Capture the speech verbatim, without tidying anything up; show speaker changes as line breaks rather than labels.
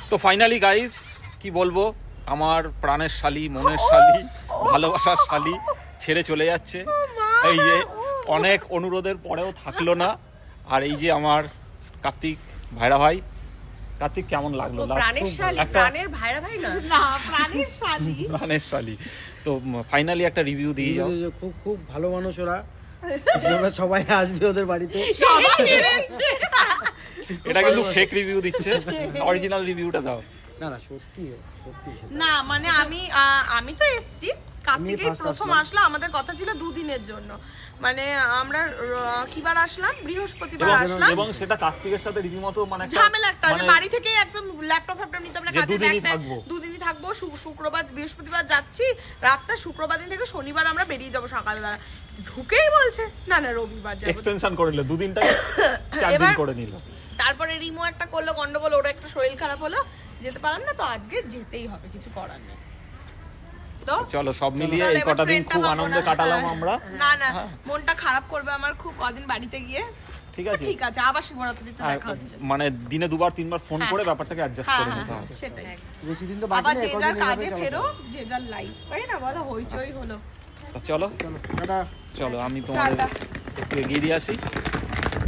তো finally guys কি বলবো, আমার প্রাণের শালি, মনের শালি, ভালোবাসার শালি ছেড়ে চলে যাচ্ছে। এই যে অনেক অনুরোধের পরেও থাকলো না। আর এই যে আমার কার্তিক ভাইরা ভাই, কার্তিক কেমন লাগলো?
প্রাণের শালি, প্রাণের ভাইরা ভাই না, না প্রাণের শালি,
প্রাণের শালি। তো ফাইনালি একটা রিভিউ দিয়ে যাও।
খুব খুব ভালো মানুষ ওরা, ওরা সবাই আসবে ওদের বাড়িতে।
এটা কিন্তু ফেক রিভিউ দিচ্ছে, অরিজিনাল রিভিউটা দাও।
না না সত্যি সত্যি
না মানে আমি আমি তো এসছি কার্তিকেই প্রথম আসলো, আমাদের কথা ছিল দুদিনের জন্য, মানে আমরা কিবার আসলাম, বৃহস্পতিবার আসলাম,
এবং সেটা কার্তিকের সাথে রীতিমতো মানে
ঝামেলা একটা, যে বাড়ি থেকে একদম ল্যাপটপ ফ্যাপটপ নিতে আমরা কাজে ব্যাগ দুদিনই থাকবো, শুক্রবার বৃহস্পতিবার যাচ্ছি রাতটা, শুক্রবার দিন থেকে শনিবার আমরা বেরিয়ে যাবো সকালবেলা। ঢুকেই বলছে না না রবিবার যাবো,
এক্সটেনশন করে নিল, দুদিনটা চার দিন করে নিল।
তারপরে রিমো একটা করলো গন্ডগোল, ওর একটা শরীর খারাপ হলো, যেতে পারলাম না, তো আজকে যেতেই হবে, কিছু করার নেই।
চলো সব মিলিয়ে এই কটা দিন খুব আনন্দে কাটালাম আমরা।
না না মনটা খারাপ করবে আমার খুব কদিন বাড়িতে গিয়ে।
ঠিক আছে
ঠিক আছে, আবার শিবরাত্রিতে দেখা হচ্ছে,
মানে দিনে দুবার তিনবার ফোন করে ব্যাপারটাকে অ্যাডজাস্ট করে নিতে হবে।
সেটাই,
বেশি দিন তো বাকি
আবার
নেই,
যে
কদিন
যার
এভাবে
কাজে
চালাতে
ফেরো,
হবে।
যে যার লাইফ, তাই না বলো, হইচই হলো।
চলো
চলো টাটা।
চলো আমি তোমাদের
টাটা।
একটু এগিয়ে দিয়ে আসি।